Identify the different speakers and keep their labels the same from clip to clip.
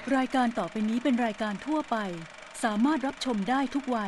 Speaker 1: รายการต่อไปนี้เป็นรายการทั่วไปสามารถรับชมได้ทุกวัย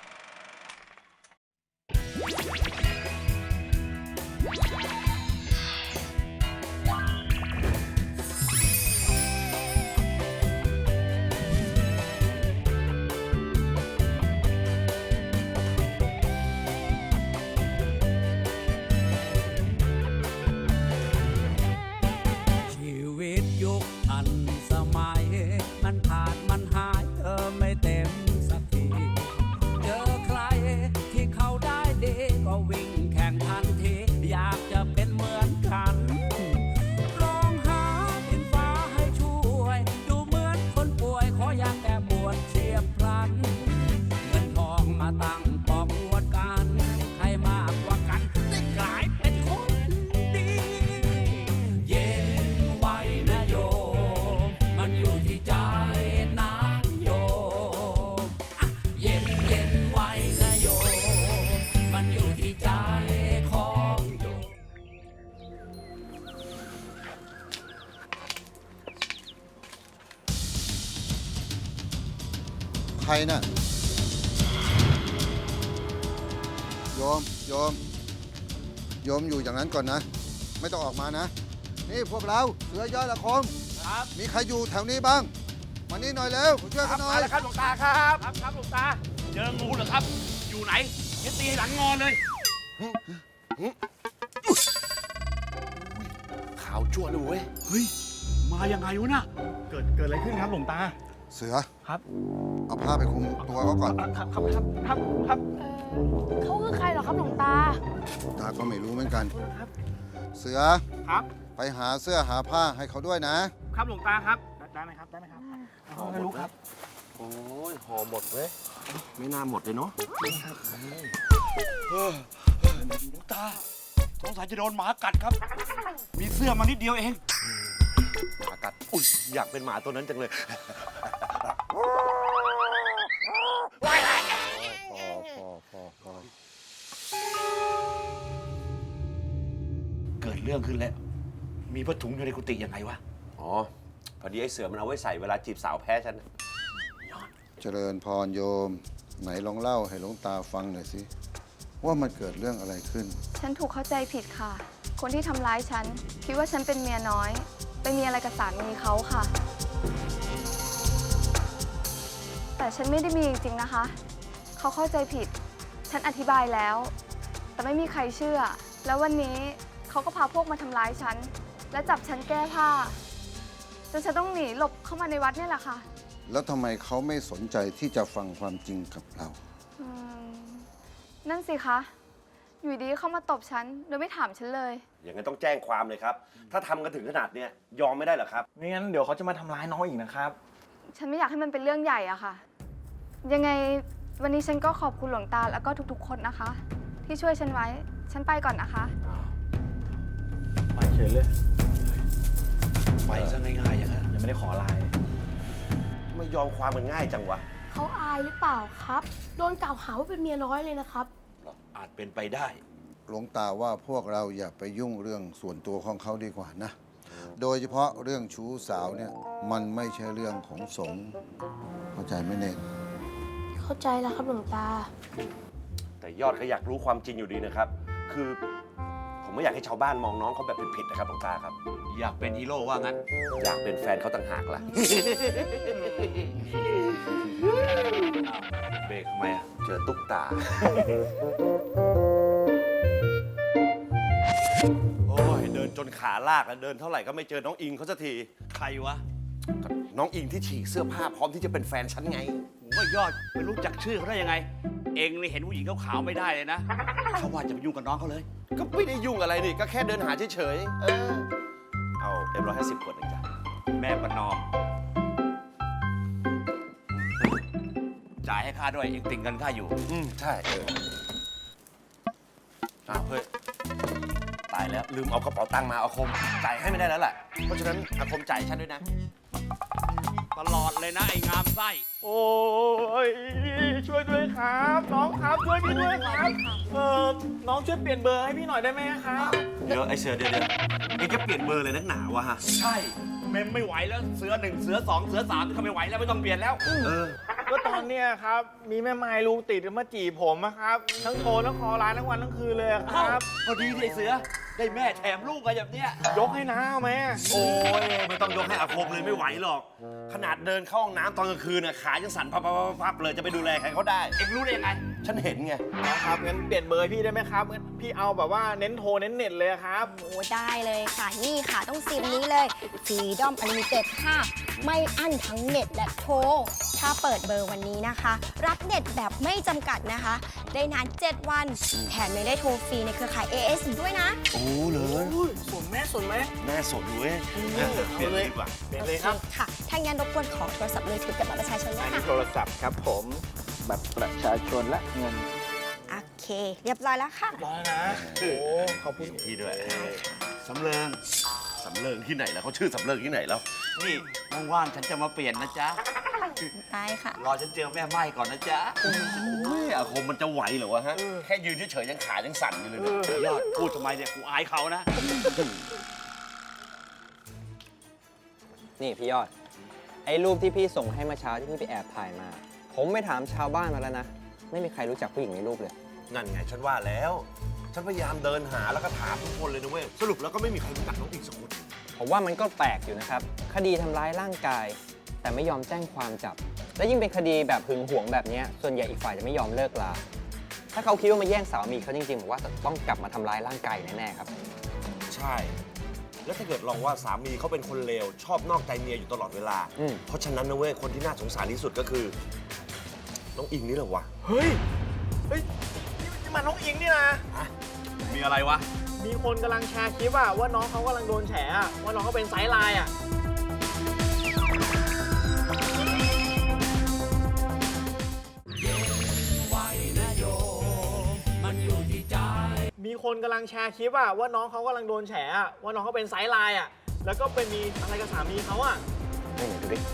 Speaker 2: ชีวิตยุคทันสมัยมันขาดมันหายไม่เต็มสักทีเจอใครที่เขาได้ดีก็วิ่งแข่งทันทีอยากจะเป็นเหมือนกันร้องหาดินฟ้าให้ช่วยดูเหมือนคนป่วยขออยากแต่บวชเฉียบพลันเงินทองมาตั้งปอกอวดกันใครมากกว่ากันได้กลายเป็นคนดี เย็นไว้นะโยมมันอยู่ที่ใจนะโยมอ่ะเย็นไว้นะโยมมันอยู่ที่ใจของโยม
Speaker 3: ใครน่ะโยมอยู่อย่างนั้นก่อนนะ ไม่ต้องออกมานะ นี่พวกเราเสือยอดละคม
Speaker 4: ครับ
Speaker 3: มีใครอยู่แถวนี้บ้างมานี่หน่อยเร็วช่วยกันหน่อ
Speaker 4: มาย แล้วครับหลวงตาครับครับหลวงตาเจองูเหรอครับ อยู่ไหนเดี๋ยวตีให้หลังงอเลย
Speaker 5: ขาวชั่วเลยเว้ย
Speaker 4: เฮ้ยมายังไงวะน่ะเกิดอะไรขึ้นครับหลวงตา
Speaker 3: เสือ
Speaker 4: ครับ
Speaker 3: เอาผ้าไปคลุมตัวเขาก่อน
Speaker 4: ครับ
Speaker 6: เขาคือใครเหรอครับหลวงตา
Speaker 3: ตาก็ไม่รู้เหมือนกัน เสือ
Speaker 4: ครับ
Speaker 3: ไปหาเสื้อหาผ้าให้เขาด้วยนะ
Speaker 4: ครับหลวงตาครับได้ไหมครับไม่รู้ครับ
Speaker 5: โอ้ยห่อหมดเว้ย ไม่น่าหมดเลยเนาะ
Speaker 4: หลวงตาสงสัยจะโดนหมากัดครับ มีเสื้อมานิดเดียวเอง
Speaker 5: หมากัด อุ้ยอยากเป็นหมาตัวนั้นจังเลย พอ
Speaker 4: เกิดเรื่องขึ้นแล้ว มีผ้าถุงอยู่ในกุฏิยังไงวะ
Speaker 5: อ๋อ พอดีไอ้เสือมันเอาไว้ใส่เวลาจีบสาวแพ้ฉันน่ะ
Speaker 3: เจริญพรโยม ไหนลองเล่าให้หลวงตาฟังหน่อยสิว่ามันเกิดเรื่องอะไรขึ้น
Speaker 6: ฉันถูกเข้าใจผิดค่ะ คนที่ทำร้ายฉันคิดว่าฉันเป็นเมียน้อย ไปมีอะไรกับสามีเขาค่ะ แต่ฉันไม่ได้มีจริงๆนะคะ เขาเข้าใจผิด ฉันอธิบายแล้ว แต่ไม่มีใครเชื่อ แล้ววันนี้เขาก็พาพวกมาทำร้ายฉัน และจับฉันแก้ผ้าจนฉันต้องหนีหลบเข้ามาในวัดเนี่ยแหละค่ะ
Speaker 3: แล้วทำไมเขาไม่สนใจที่จะฟังความจริงกับเรา
Speaker 6: อืมนั่นสิคะ อยู่ดีเข้ามาตบฉันโดยไม่ถามฉันเลย
Speaker 5: อย่างนั้นต้องแจ้งความเลยครับ ถ้าทำกันถึงขนาดเนี้ยยอมไม่ได้เหรอครับ
Speaker 7: ไม่งั้นเดี๋ยวเขาจะมาทำร้ายน้องอีกนะครับ
Speaker 6: ฉันไม่อยากให้มันเป็นเรื่องใหญ่อะค่ะ ยังไงวันนี้ฉันก็ขอบคุณหลวงตาแล้วก็ทุกๆ คนนะคะ ที่ช่วยฉันไว้ ฉันไปก่อนนะคะ
Speaker 7: ไปเฉยเลย
Speaker 4: ไปซะง่ายๆอย่างนั้น
Speaker 7: ยังไม่ได้ขอไลน์
Speaker 5: ไม่ยอมความมันง่ายจังวะ
Speaker 8: เขาอายหรือเปล่าครับ โดนกล่าวหาว่าเป็นเมียน้อยเลยนะครับ
Speaker 4: อาจเป็นไปได้
Speaker 3: หลวงตาว่าพวกเราอย่าไปยุ่งเรื่องส่วนตัวของเขาดีกว่านะ โดยเฉพาะเรื่องชู้สาวเนี่ยมันไม่ใช่เรื่องของสงฆ์เข้าใจไหมเนน
Speaker 8: เข้าใจแล้วครับหลวงตา
Speaker 5: แต่ยอดก็อยากรู้ความจริงอยู่ดีนะครับ คือผมไม่อยากให้ชาวบ้านมองน้องเขาแบบผิดๆนะครับหลวงตาครับ
Speaker 4: อยากเป็นฮีโร่ว่างั้น
Speaker 5: อยากเป็นแฟนเขาต่างหากล่ะ
Speaker 4: เบรกทำไมอะ
Speaker 5: เจอตุ๊กตา โอ้ยเดินจนขาลากแล้วเดินเท่าไหร่ก็ไม่เจอน้องอิงเขาสักที
Speaker 4: ใครวะ
Speaker 5: น้องอิงที่ฉีกเสื้อผ้าพร้อมที่จะเป็นแฟนฉันไง
Speaker 4: ผมว่ายอดไม่รู้จักชื่อเขาได้ยังไง เองนี่เห็นผู้หญิงขาวๆไม่ได้เลยนะ เขาว่าจะไปยุ่งกับน้องเขาเลย
Speaker 5: ก็ไม่ได้ยุ่งอะไรนี่ ก็แค่เดินหาเฉยๆเอาM150 ขวดหนึ่งจ้ะ
Speaker 4: แม่ประนอม จ่ายให้ข้าด้วย เองติ่งเงินข้าอยู่
Speaker 5: ใช่อ้าวเฮ้ย ตายแล้วลืมเอากระเป๋าตังค์มาอาคม จ่ายให้ไม่ได้แล้วแหละ เพราะฉะนั้นอาคมจ่ายให้ฉันด้วยนะ
Speaker 4: ตลอดเลยนะไอ้งามไส้
Speaker 7: โอ้ยช่วยด้วยครับ น้องครับช่วยพี่ด้วยครับน้องช่วยเปลี่ยนเบอร์ให้พี่หน่อยได้ไหมครับ
Speaker 5: เดี๋ยวไอ้เสือเดี๋ยวเองจะเปลี่ยนเบอร์เลยนักหนาวะฮะ
Speaker 4: ใช่เมมไม่ไหวแล้วเสือ1เสือ2เสือ3ก็ไม่ไหวแล้วไม่ต้องเปลี่ยนแล้ว
Speaker 7: ก็ตอนเนี้ยครับ มีแม่ไม้ลูกติดมาจีบผมอะครับ ทั้งโทรทั้งคอไลน์ทั้งวันทั้งคืนเลยอะค
Speaker 4: เอ้า
Speaker 7: รับ
Speaker 4: พอดีที่ไอ้เสือได้แม่แถมลูกอะไรแบบเนี้ย
Speaker 7: ยกให้น้าเอาไหม
Speaker 5: โอ้ยไม่ต้องยกให้อาคมเลยไม่ไหวหรอก ขนาดเดินเข้าห้องน้ำตอนกลางคืนน่ะขายังสั่นพับเลยจะไปดูแลใครเขาได้
Speaker 4: เอ็งรู้ได้ยังไง
Speaker 5: ฉันเห็นไง
Speaker 7: ครับงั้นเปลี่ยนเบอร์พี่ได้ไหมครับงั้นพี่เอาแบบว่าเน้นโทรเน้นเน็ตเลยครับ
Speaker 9: โอ้ได้เลยค่ะ นี่ค่ะต้องซิมนี้เลย Freedom Unlimited ค่ะ ไม่อั้นทั้งเน็ตและโทร ถ้าเปิดเบอร์วันนี้นะคะ รับเน็ตแบบไม่จำกัดนะคะ ได้นาน 7 วัน แถมยังได้โทรฟรีในเครือข่าย AS อีกด้วยนะ
Speaker 5: โอ้เลย
Speaker 7: ส่วนแม่ส่วนไหม
Speaker 5: แม่สนเว้ยเปลี่ยนเลยดีกว่า
Speaker 7: เปลี่ยนเลยครับ
Speaker 9: ค่ะ ถ้างั้นรบกวนขอโทรศัพท์มือถือกับบัตรประชาชนด้
Speaker 7: อั
Speaker 9: วน ย
Speaker 7: นี้
Speaker 9: ค่ะ
Speaker 7: โทรศัพท์ครับผมบัตรประชาชนและเงิน
Speaker 9: โอเค เรียบร้อยแล้วค่ะ
Speaker 7: ร้อยนะโอ้ขอบคุณ
Speaker 5: พี่ด้วย
Speaker 4: สำเริง
Speaker 5: สำเริงที่ไหนแล้วเขาชื่อสำเริงที่ไหนแล้ว
Speaker 4: นี่ว่างๆฉันจะมาเปลี่ยนนะจ๊ะ
Speaker 9: ได้ค่ะ
Speaker 4: รอฉันเจอแม่ไม้ก่อนนะจ๊ะ
Speaker 5: โอ้ยอาคมมันจะไหวเหรอวะฮะ แค่ยืนเฉยๆยังขายังสั่นอยู่เลยเนี่ย
Speaker 4: ยอดพูดทำไมเนี่ยกูอายเขานะ
Speaker 10: นี่พี่ยอด ไอ้รูปที่พี่ส่งให้เมื่อเช้าที่พี่ไปแอบถ่ายมา ผมไปถามชาวบ้านมาแล้วนะ ไม่มีใครรู้จักผู้หญิงในรูปเลย
Speaker 5: นั่นไงฉันว่าแล้ว ฉันพยายามเดินหาแล้วก็ถามทุกคนเลยนะเว้ย สรุปแล้วก็ไม่มีใครรู้จักน้องอิงสักคน
Speaker 10: ผมว่ามันก็แปลกอยู่นะครับ คดีทำร้ายร่างกาย แต่ไม่ยอมแจ้งความจับ และยิ่งเป็นคดีแบบหึงหวงแบบเนี้ยส่วนใหญ่อีกฝ่ายจะไม่ยอมเลิกลา ถ้าเขาคิดว่ามาแย่งสามีเขาจริงๆผมว่าต้องกลับมาทำร้ายร่างกายแน่ๆครับ
Speaker 5: ใช่ แล้วถ้าเกิดลองว่าสามีเขาเป็นคนเลว ชอบนอกใจเมียอยู่ตลอดเวลา
Speaker 10: อืม
Speaker 5: เพราะฉะนั้นนะเว้ย คนที่น่าสงสารที่สุดก็คือ น้องอิงนี่แหละวะ
Speaker 7: เฮ้ย เฮ้ย นี่มันน้องอิงนี่นะ
Speaker 4: มีอะไรวะ
Speaker 7: มีคนกำลังแชร์คลิปอะว่าน้องเขากำลังโดนแฉอะว่าน้องเขาเป็นไซด์ไลน์อะ มีคนกำลังแชร์คลิปอะว่าน้องเขากำลังโดนแฉอะว่าน้องเขาเป็นไซด์ไลน์อะแล้วก็เป็นมีอะไรกับสามีเขาอะ
Speaker 10: ไม่เห็นดูดิ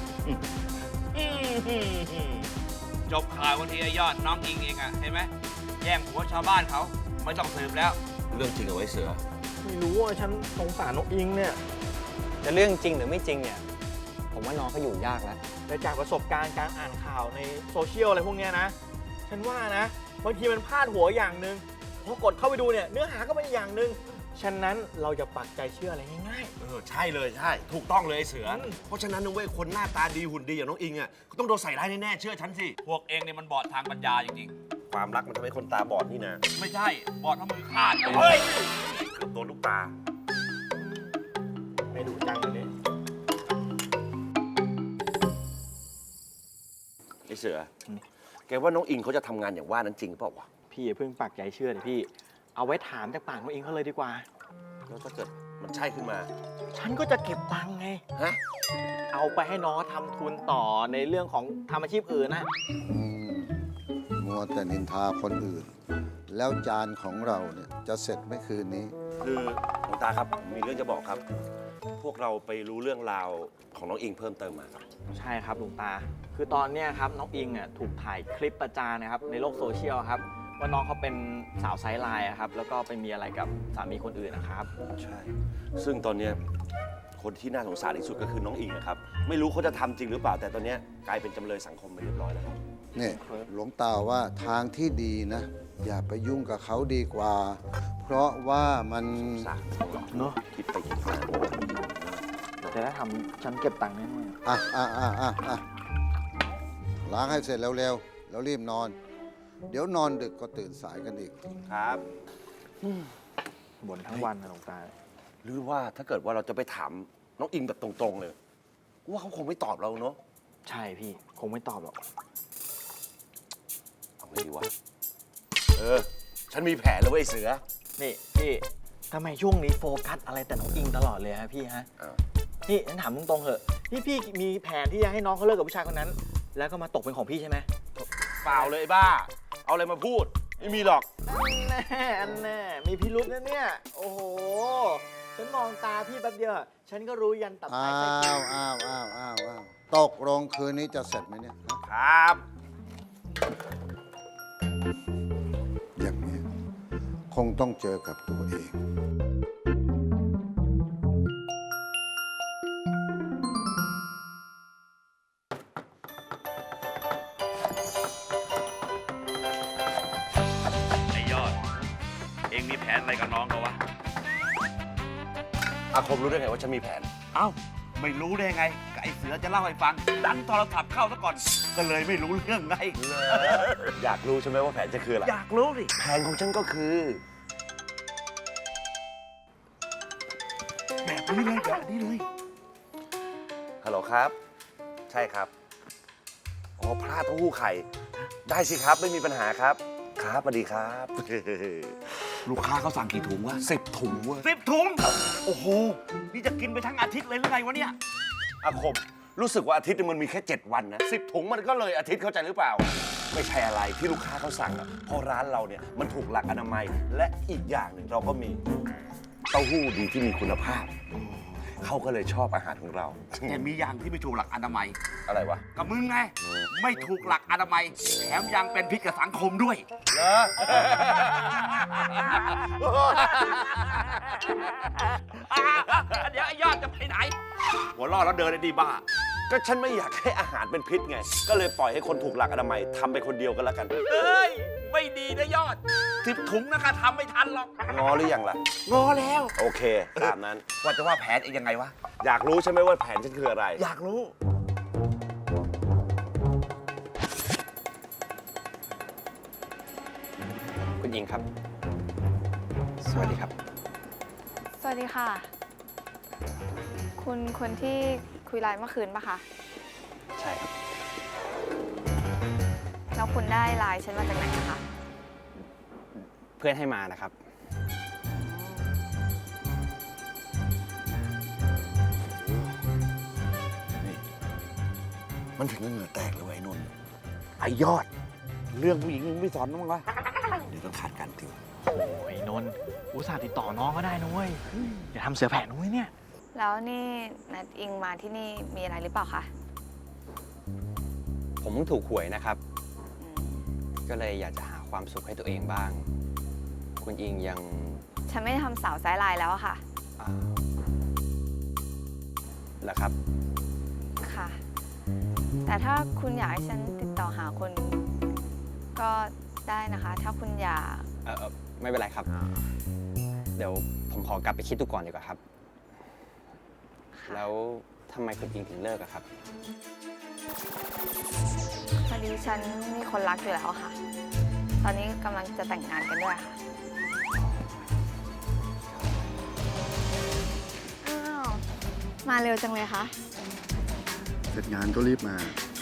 Speaker 4: จบข่าววันทีไอยอดน้องอิงเองอะเห็นไหมแย่งผัวชาวบ้านเขาไม่ต้องสืบแล้ว
Speaker 5: เรื่องจริงเอาไว้เสือ
Speaker 7: ไม่รู้ว่าฉันสงสารน้องอิงเนี่ย
Speaker 10: จะเรื่องจริงหรือไม่จริงเนี่ย ผมว่าน้องเขาอยู่ยากแล้ว
Speaker 7: แต่จากประสบการณ์การอ่านข่าวในโซเชียลอะไรพวกเนี้ยนะ ฉันว่านะบางทีมันพลาดหัวอย่างหนึ่งพอกดเข้าไปดูเนี่ยเนื้อหาก็เป็นอีกอย่างหนึ่งฉะนั้นเราจะปักใจเชื่ออะไรง่าย
Speaker 5: ใช่เลยใช่ ถูกต้องเลยไอ้เสือ
Speaker 7: อืม
Speaker 5: เพราะฉะนั้นนะเว้ย คนหน้าตาดีหุ่นดีอย่างน้องอิงอ่ะก็ต้องโดนใส่ร้ายแน่ๆเชื่อฉันสิ
Speaker 4: พวกเองเนี่ยมันบอดทางปัญญาจริง
Speaker 5: ความรักมันทำให้คนตาบอดนี่นะ
Speaker 4: ๆ ไม่ใช่บอดเพราะมือขาด
Speaker 5: เฮ้ยเกือบโดนลูกตา
Speaker 7: ๆ ไม่ดูจังเลย
Speaker 5: ไอ้เสือ แกว่าน้องอิงเขาจะทำงานอย่างว่านั้นจริงเปล่าวะ
Speaker 7: พี่อย่าเพิ่งปักใจเชื่อเลยพี่ เอาไว้ถามจากปากน้องอิงเขาเลยดีกว่า
Speaker 5: แล้วถ้าเกิดมันใช่ขึ้นมา
Speaker 7: ฉันก็จะเก็บตังค์ไง
Speaker 5: ฮะ
Speaker 7: เอาไปให้น้องทำทุนต่อในเรื่องของทำอาชีพอื่นนะ
Speaker 3: มัวแต่นินทาคนอื่น แล้วจานของเราเนี่ยจะเสร็จไม่คืนนี้
Speaker 5: คือหลวงตาครับผมมีเรื่องจะบอกครับ พวกเราไปรู้เรื่องราวของน้องอิงเพิ่มเติมมาครับ
Speaker 7: ใช่ครับหลวงตา คือตอนเนี้ยครับน้องอิงอ่ะถูกถ่ายคลิปประจานนะครับในโลกโซเชียลครับว่าน้องเขาเป็นสาวไซด์ไลน์อะครับแล้วก็ไปมีอะไรกับสามีคนอื่นนะครับ
Speaker 5: ใช่ ซึ่งตอนเนี้ยคนที่น่าสงสารที่สุดก็คือน้องอิงนะครับ ไม่รู้เขาจะทำจริงหรือเปล่า แต่ตอนเนี้ยกลายเป็นจำเลยสังคมไปเรียบร้อยแล้วครับ
Speaker 3: นี่หลวงตาว่าทางที่ดีนะ อย่าไปยุ่งกับเขาดีกว่า เพราะว่ามัน
Speaker 5: สาร
Speaker 7: เนอะ
Speaker 5: คิดไปคิดมา
Speaker 7: แต่ถ้าทำฉันเก็บตังค์แน่
Speaker 3: ล้างให้เสร็จเร็วๆ แล้วรีบนอน เดี๋ยวนอนดึกก็ตื่นสายกันอีก
Speaker 5: ครับ
Speaker 7: ๆบ่นทั้งวันนะหลวงตา
Speaker 5: หรือว่าถ้าเกิดว่าเราจะไปถามน้องอิงแบบตรงๆเลยว่าเขาคงไม่ตอบเราเนาะ
Speaker 7: ใช่พี่คงไม่ตอบหรอก
Speaker 5: เอาไงดีวะ ฉันมีแผนแล้วเว้ยเสือ
Speaker 7: นี่พี่ทำไมช่วงนี้โฟกัสอะไรแต่น้องอิงตลอดเลยฮะพี่ฮะ
Speaker 5: อ้าว
Speaker 7: นี่ฉันถามตรงๆเหอะนี่พี่มีแผนที่จะให้น้องเขาเลิกกับผู้ชายคนนั้น แล้วก็มาตกเป็นของพี่ใช่ไหม
Speaker 5: เปล่าเลยไอ้บ้า เอาอะไรมาพูด ไม่มีหรอก
Speaker 7: อันแน่มีพิรุษนะเนี่ย โอ้โห ฉันมองตาพี่แป๊บเดียว ฉันก็รู้ยันตับ
Speaker 3: อ้า
Speaker 7: ไตไส้พุ
Speaker 3: ว
Speaker 7: ง
Speaker 3: ตกลงคืนนี้จะเสร็จไหมเนี่ย
Speaker 5: ครับ
Speaker 3: อย่างนี้คงต้องเจอกับตัวเอง
Speaker 4: อะไรกับน้องเขาวะ
Speaker 5: อาคมรู้ได้ไงว่าฉันมีแผน
Speaker 4: เอ้า ไม่รู้ได้ไงก็ไอเสือจะเล่าให้ฟัง ดันโทรศัพท์เข้าซะก่อน ก็เลยไม่รู้เรื่องไง
Speaker 5: อยากรู้ใช่ไหมว่าแผนจะคืออะไร
Speaker 4: อยากรู้สิ
Speaker 5: แผนของฉันก็คือ
Speaker 4: แบบนี้เลยแบบนี้เลย
Speaker 5: ฮัลโหลครับ ใช่ครับ อ๋อพลาดเต้าหู้ไข่ ได้สิครับ ไม่มีปัญหาครับ ครับสวัสดีครับ
Speaker 4: ลูกค้าเขาสั่งกี่ถุงวะ
Speaker 5: 10 ถุงเว้ย
Speaker 4: 10 ถุง โอ้โห นี่จะกินไปทั้งอาทิตย์เลยหรือไงวะเนี่ย
Speaker 5: อาคม รู้สึกว่าอาทิตย์นึงมันมีแค่ 7 วันนะ10 ถุงมันก็เลยอาทิตย์เข้าใจหรือเปล่า ไม่ใช่อะไรที่ลูกค้าเขาสั่งอะเพราะร้านเราเนี่ยมันถูกหลักอนามัย และอีกอย่างหนึ่งเราก็มีเต้าหู้ดีที่มีคุณภาพ เขาก็เลยชอบอาหารของเรา
Speaker 4: แต่มีอย่างที่ไม่ถูกหลักอนามัย
Speaker 5: อะไรวะ
Speaker 4: กับมึงไง ไม่ถูกหลักอนามัย แถมยังเป็นพิษกับสังคมด้วย
Speaker 5: เหรอ
Speaker 4: เดี๋ยวไอ้ยอดจะไปไหน หัวล่อแล้วเดินได้ดีบ้า
Speaker 5: ก็ฉันไม่อยากให้อาหารเป็นพิษไง ก็เลยปล่อยให้คนถูกหลักอนามัยทำไปคนเดียวกันแล้วกัน
Speaker 4: เอ้ย ไม่ดีนะยอด10 ถุงนะคะทำไม่ทันหรอก
Speaker 5: งอหรือยังล่ะ
Speaker 4: งอแล้ว
Speaker 5: โอเค ตามนั้น
Speaker 4: ว่าจะว่าแผนเองยังไงวะ
Speaker 5: อยากรู้ใช่ไหมว่าแผนฉันคืออะไร
Speaker 4: อยากรู้
Speaker 10: คุณอิงครับ สวัสดีครับ
Speaker 6: สวัสดีค่ะ คุณคนที่คุยไลน์เมื่อคืนปะคะ
Speaker 10: ใช่ครับ
Speaker 6: แล้วคุณได้ไลน์ฉันมาจากไหนนะคะ
Speaker 10: เพื่อนให้มานะครับ
Speaker 5: มันถึงกับเหงื่อแตกเลยว่ะไอ้นนท์
Speaker 4: ไอ้ยอด เรื่องผู้หญิงมึงไม่สอนมั้างวะ
Speaker 5: เดี๋ยวต้องขาดการติว
Speaker 7: โอ้ยนนท์อุตส่าห์ติดต่อน้องก็ได้นะเว้ยอย่าทำเสือแผ่นุ้ยเนี่ย
Speaker 6: แล้วนี่นัดอิงมาที่นี่มีอะไรหรือเปล่าคะ
Speaker 10: ผมเพิ่งถูกหวยนะครับ
Speaker 6: อืม
Speaker 10: ก็เลยอยากจะหาความสุขให้ตัวเองบ้าง คุณอิงยัง
Speaker 6: ฉันไม่ได้ทำสาวไซด์ไลน์แล้วอะค่ะ
Speaker 10: อ่าเหรอครับ
Speaker 6: ค่ะ แต่ถ้าคุณอยากให้ฉันติดต่อหาคนก็ได้นะคะ ถ้าคุณอยาก
Speaker 10: ไม่เป็นไรครับ เดี๋ยวผมขอกลับไปคิดดูก่อนดีกว่าครับ แล้วทำไมคุณอิงถึงเลิกอะครับ
Speaker 6: พอดีฉันมีคนรักอยู่แล้วอะค่ะ ตอนนี้กำลังจะแต่งงานกันด้วยค่ะ อ้าว มาเร็วจังเลยคะ
Speaker 11: เสร็จงานก็รีบมา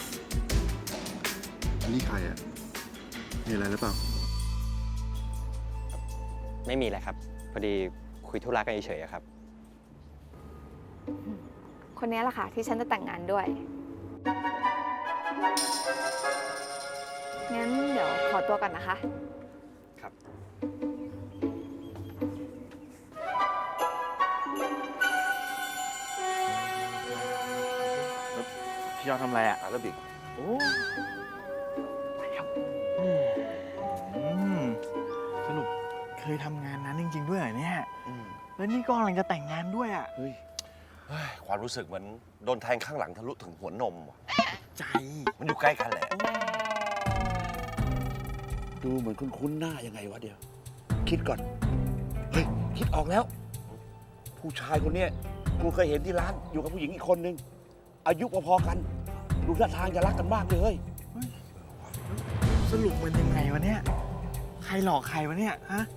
Speaker 11: นี่ใครอ่ะ มีอะไรหรือเปล่า
Speaker 10: ไม่มีอะไรครับ พอดีคุยธุระกันเฉยๆอะครับ
Speaker 6: คนนี้แหละค่ะที่ฉันจะแต่งงานด้วย งั้นเดี๋ยวขอตัวก่อนนะคะ
Speaker 10: ครับ
Speaker 7: พี่ยอดทำอะไรอ่ะ
Speaker 5: อาราบิก
Speaker 7: โอ้ไปแล้วสรุปเคยทำงานนั้นจริง ๆ ด้วยเหรอเนี่ย แล้วนี่ก็กำลังจะแต่งงานด้วยอ่ะ
Speaker 5: เฮ้ย ความรู้สึกเหมือนโดนแทงข้างหลังทะลุถึงหัวนมว่ะ
Speaker 7: ใจ
Speaker 5: มันอยู่ใกล้กันแหละ
Speaker 4: ดูเหมือนคุ้นๆหน้ายังไงวะเดี๋ยว คิดก่อน เฮ้ย คิดออกแล้ว ผู้ชายคนเนี้ยกูเคยเห็นที่ร้านอยู่กับผู้หญิงอีกคนนึง อายุพอๆกัน ดูท่าทางจะรักกันมากเลยเฮ้ย
Speaker 7: สรุปมันยังไงวะเนี่ย ใครหลอกใครวะเนี่ย ฮะ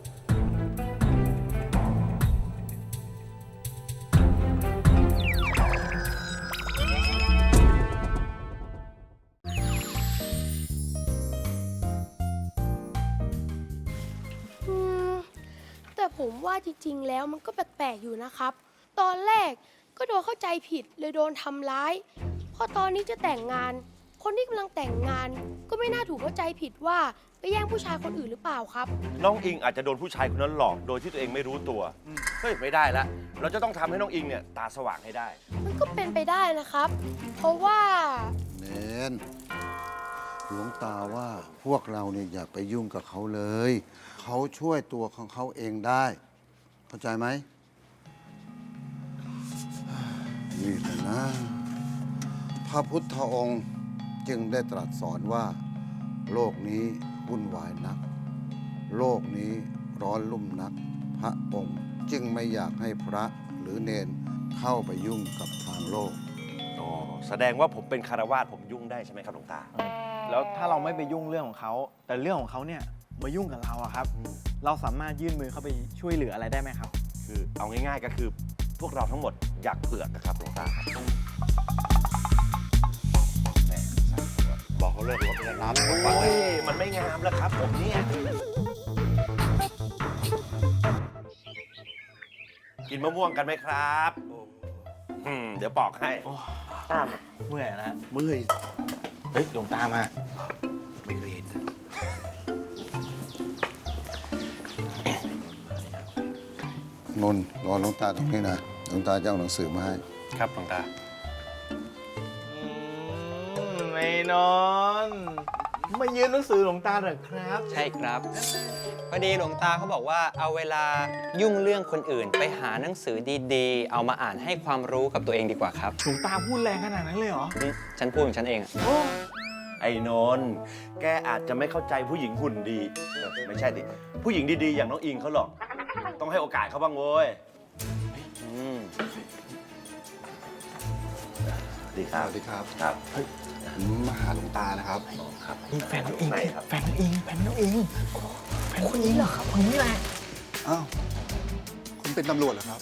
Speaker 8: อืม แต่ผมว่าจริงๆ แล้วมันก็แปลกๆ อยู่นะครับ ตอนแรกก็โดนเข้าใจผิดเลยโดนทำร้าย พอตอนนี้จะแต่งงาน คนที่กำลังแต่งงาน ก็ไม่น่าถูกเข้าใจผิดว่าไปแย่งผู้ชายคนอื่นหรือเปล่าครับ
Speaker 5: น้องอิงอาจจะโดนผู้ชายคนนั้นหลอกโดยที่ตัวเองไม่รู้ตัว เฮ้ย ไม่ได้ละ เราจะต้องทำให้น้องอิงเนี่ยตาสว่างให้ได้
Speaker 8: มันก็เป็นไปได้นะครับ เพราะว่า
Speaker 3: เนนหลวงตาว่าพวกเราเนี่ยอย่าไปยุ่งกับเขาเลย เขาช่วยตัวของเขาเองได้ เข้าใจไหมนี่แหละนะ พระพุทธองค์จึงได้ตรัสสอนว่า โลกนี้วุ่นวายนัก โลกนี้ร้อนลุ่มนัก พพระองค์จึงไม่อยากให้พระหรือเนนเข้าไปยุ่งกับทางโลก
Speaker 5: อ๋อ แสดงว่าผมเป็นคารวาสผมยุ่งได้ใช่ไหมครับหลวงตา
Speaker 7: แล้วถ้าเราไม่ไปยุ่งเรื่องของเขา แต่เรื่องของเขาเนี่ยมายุ่งกับเราอะครับ เราสามารถยื่นมือเข้าไปช่วยเหลืออะไรได้ไหมครับ
Speaker 5: คือเอาง่ายๆก็คือพวกเราทั้งหมดอยากเปลือกนะครับหลวงตาครับแม่บอกเขาเลิกรถไปแล้วน้ำโอ้ยมันไม่งามแล้วครับผมเนี่ยกินมะม่วงกันไหมครับเดี๋ยวปอกให้
Speaker 7: เมื่อยนะ
Speaker 4: เมื่อย
Speaker 7: เฮ้ยหลวงตามา
Speaker 4: ไม่เคยเห็น
Speaker 3: นนท์รอหลวงตาตรงนี้นะหลวงตาจะเอาหนังสือมาให้
Speaker 5: ครับหลวงตา
Speaker 7: ไม่นอนมายืนหนังสือหลวงตาเหรอครับ
Speaker 10: ใช่ครับพอดีหลวงตาเขาบอกว่าเอาเวลายุ่งเรื่องคนอื่น ไปหาหนังสือดีๆ เอามาอ่านให้ความรู้กับตัวเองดีกว่าครับ
Speaker 7: หลวงตาพูดแรงขนาดนั้นเลยเหรอ
Speaker 10: นี่ฉันพูดของฉันเองอะ
Speaker 5: ไอ้นนท์แกอาจจะไม่เข้าใจผู้หญิงหุ่นดีไม่ใช่ดิผู้หญิงดีๆอย่างน้องอิงเขาหรอกต้องให้โอกาสเขาบ้างโว้ยดีครับ
Speaker 11: สวัสดีครับ
Speaker 5: ครับ
Speaker 11: ผมมาหาหลวงตานะครับ
Speaker 5: ครับ
Speaker 7: นี่แฟนน้องอิง
Speaker 5: ไหนครับ
Speaker 7: แฟนน้องอิงแฟนน้องอิงแฟนคนนี้เหรอครับคนนี้แหละ
Speaker 11: อ้าว คุณเป็นตำรวจเหรอครับ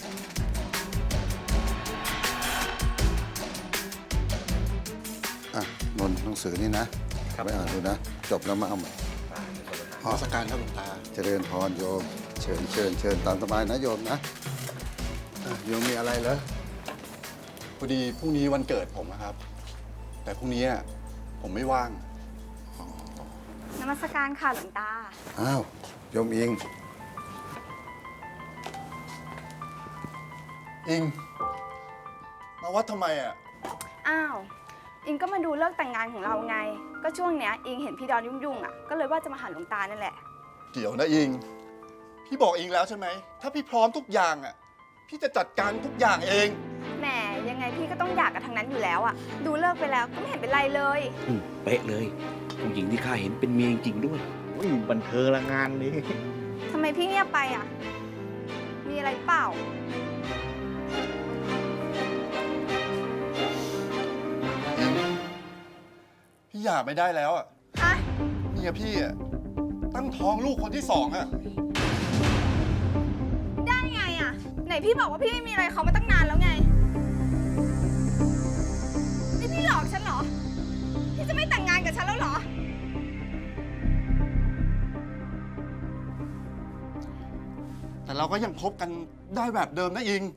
Speaker 3: อ่ะนนท์หนังสือนี่นะไปอ่านดูนะ จบแล้วมาเอาใหม่
Speaker 11: ขอสการครับหลวงตา
Speaker 3: เจริญพรโยม เชิญตามสบายนะโยมนะโยมมีอะไรเหรอ
Speaker 11: พอดีพรุ่งนี้วันเกิดผมนะครับ แต่พรุ่งนี้ผมไม่ว่าง
Speaker 6: นมัสการค่ะหลวงตา
Speaker 3: อ้าวโยมอิง
Speaker 11: อิง มาวัดทำไมอ่ะ
Speaker 6: อ้าว อิงก็มาดูเลิกแต่งงานของเราไง ก็ช่วงเนี้ยอิงเห็นพี่ดอนยุ่งๆอ่ะ ก็เลยว่าจะมาหาหลวงตานั่นแหละ
Speaker 11: เดี๋ยวนะอิง พี่บอกอิงแล้วใช่ไหม ถ้าพี่พร้อมทุกอย่างอ่ะ พี่จะจัดการทุกอย่างเอง
Speaker 6: แหมยังไงพี่ก็ต้องอยากกับทางนั้นอยู่แล้วอ่ะ ดูเลิกไปแล้วก็ไม่เห็นเป็นไรเลย
Speaker 4: เป๊ะเลย ผู้หญิงที่ข้าเห็นเป็นเมียจริงๆด้วยบันเทิงละงานนี้
Speaker 6: ทำไมพี่เงียบไปอ่ะ มีอะไรเปล่า
Speaker 11: อิง พี่หย่าไม่ได้แล้วอ่ะ
Speaker 6: ฮะ
Speaker 11: เมียพี่อ่ะตั้งท้องลูกคนที่สองอ่ะ
Speaker 6: ได้ไงอ่ะ ไหนพี่บอกว่าพี่ไม่มีอะไรเขามาตั้งนานแล้วไง นี่พี่หลอกฉันเหรอ พี่จะไม่แต่งงานกับฉันแล้วเหรอ
Speaker 11: แต่เราก็ยังคบกันได้แบบเดิมนะอิง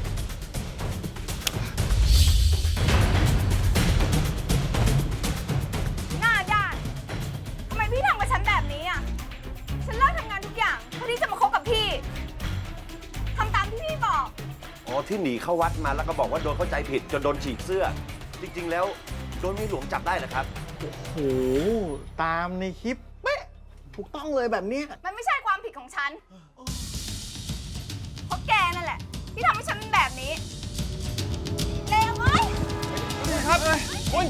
Speaker 6: หน้าด้านทำไมพี่ทำกับฉันแบบนี้อ่ะ ฉันเลิกทำงานทุกอย่างเพื่อที่จะมาคบกับพี่ ทำตามที่พี่บอก
Speaker 5: อ๋อที่หนีเข้าวัดมาแล้วก็บอกว่าโดนเข้าใจผิดจนโดนฉีกเสื้อ จริงๆแล้วโดนมีหลวงจับได้นะครับ
Speaker 7: โอ้โห ตามในคลิปเป๊ะถูกต้องเลยแบบเนี้ย
Speaker 6: มันไม่ใช่ความผิดของฉัน เพราะแกนั่นแหละ ที่ทำให้ฉันเป็นแบบนี้เลวเว้ย
Speaker 11: ครับคุณ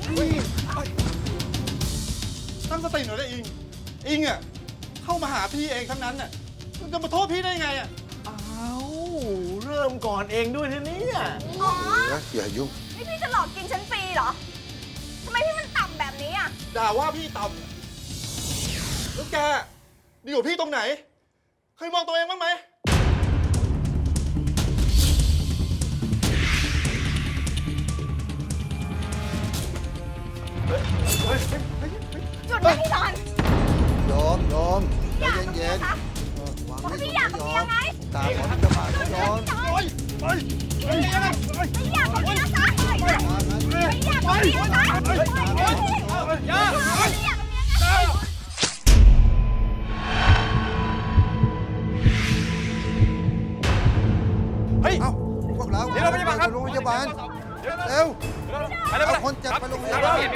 Speaker 11: ตั้งสติหน่อยนะอิง อิงอ่ะเข้ามาหาพี่เองทั้งนั้นน่ะคุณจะมาโทษพี่ได้ไงอ่ะ
Speaker 7: อ้าวเริ่มก่อนเองด้วยนะเนี่ย
Speaker 6: อ๋อ
Speaker 3: อย่ายุ่ง
Speaker 6: นี่พี่จะหลอกกินฉันฟรีเหรอ ทำไมพี่มันต่ำแบบนี้อ่ะ
Speaker 11: ด่าว่าพี่ต่ำแล้วแกดีกว่าพี่ตรงไหน เคยมองตัวเองบ้างไหม
Speaker 6: หยุดนะพี่ดอน
Speaker 3: โยมใจเย็น
Speaker 6: คะ
Speaker 3: ๆวาง
Speaker 6: บอกให้
Speaker 3: ไว้
Speaker 6: พี่อยากกับเมียไง
Speaker 3: ตาขอที่จะมาโยม
Speaker 6: ไม่อยากกับเมียซะไม่อยากกับเมียซะไม่อยากกับเมียไง
Speaker 3: เอ้าพวกเราไปโรงพยาบาลเร็วเอาคนเจ็บไปโรงพยาบาล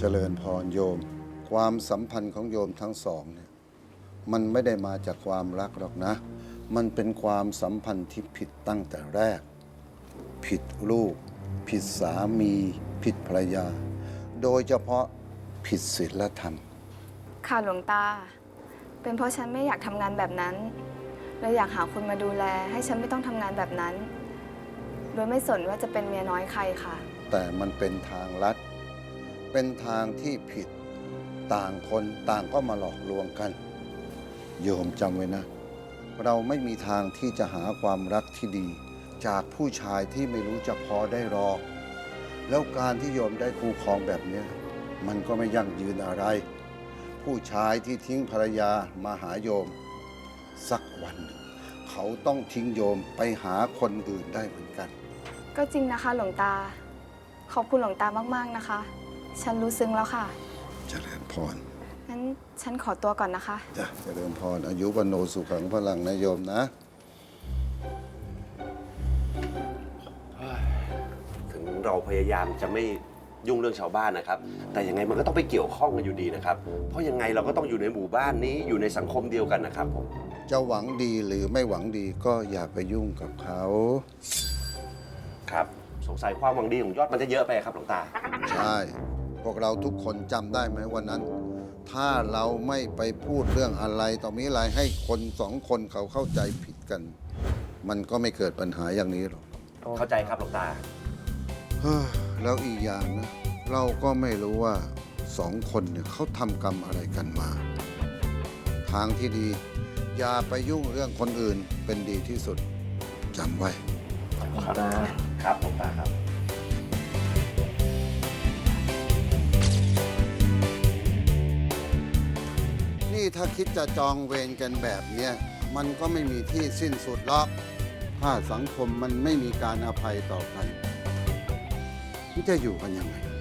Speaker 3: เจริญพรโยม ความสัมพันธ์ของโยมทั้งสองเนี่ยมันไม่ได้มาจากความรักหรอกนะ มันเป็นความสัมพันธ์ที่ผิดตั้งแต่แรก ผิดลูก ผิดสามี ผิดภรรยา โดยเฉพาะผิดศีลธรรม
Speaker 6: ค่ะหลวงตา เป็นเพราะฉันไม่อยากทำงานแบบนั้นเลยอยากหาคนมาดูแล ให้ฉันไม่ต้องทำงานแบบนั้น โดยไม่สนว่าจะเป็นเมียน้อยใครค่ะ
Speaker 3: แต่มันเป็นทางลัด เป็นทางที่ผิด ต่างคนต่างก็มาหลอกลวงกัน โยมจำไว้นะ เราไม่มีทางที่จะหาความรักที่ดี จากผู้ชายที่ไม่รู้จะพอได้หรอก แล้วการที่โยมได้คู่ครองแบบเนี้ยมันก็ไม่ยั่งยืนอะไร ผู้ชายที่ทิ้งภรรยามาหาโยม สักวันหนึ่งเขาต้องทิ้งโยมไปหาคนอื่นได้เหมือนกัน
Speaker 6: ก็จริงนะคะหลวงตา ขอบคุณหลวงตามากๆนะคะ ฉันรู้ซึ้งแล้วค่ะ
Speaker 3: เจริญพร
Speaker 6: งั้นฉันขอตัวก่อนนะคะ
Speaker 3: จ้ะเจริญพร อายุวันโนสุขังพลังนะโยมนะ
Speaker 5: ถึงเราพยายามจะไม่ยุ่งเรื่องชาวบ้านนะครับ แต่ยังไงมันก็ต้องไปเกี่ยวข้องกันอยู่ดีนะครับ เพราะยังไงเราก็ต้องอยู่ในหมู่บ้านนี้อยู่ในสังคมเดียวกันนะครับผม
Speaker 3: จะหวังดีหรือไม่หวังดีก็อย่าไปยุ่งกับเขา
Speaker 5: ครับ สงสัยความหวังดีของยอดมันจะเยอะไปครับหลวงตา
Speaker 3: ใช่ พวกเราทุกคนจำได้ไหมวันนั้น ถ้าเราไม่ไปพูดเรื่องอะไรต่อมีอะไรให้คนสองคนเขาเข้าใจผิดกัน มันก็ไม่เกิดปัญหาอย่างนี้หรอก
Speaker 5: เข้าใจครับหลวงตา
Speaker 3: เฮ้อแล้วอีกอย่างนะ เราก็ไม่รู้ว่าสองคนเนี่ยเขาทำกรรมอะไรกันมา ทางที่ดี อย่าไปยุ่งเรื่องคนอื่นเป็นดีที่สุดจำไว้
Speaker 5: ครับหลวงตาครับ
Speaker 3: นี่ถ้าคิดจะจองเวรกันแบบเนี้ยมันก็ไม่มีที่สิ้นสุดหรอก ถ้าสังคมมันไม่มีการอภัยต่อกันมันจะอยู่กันยังไง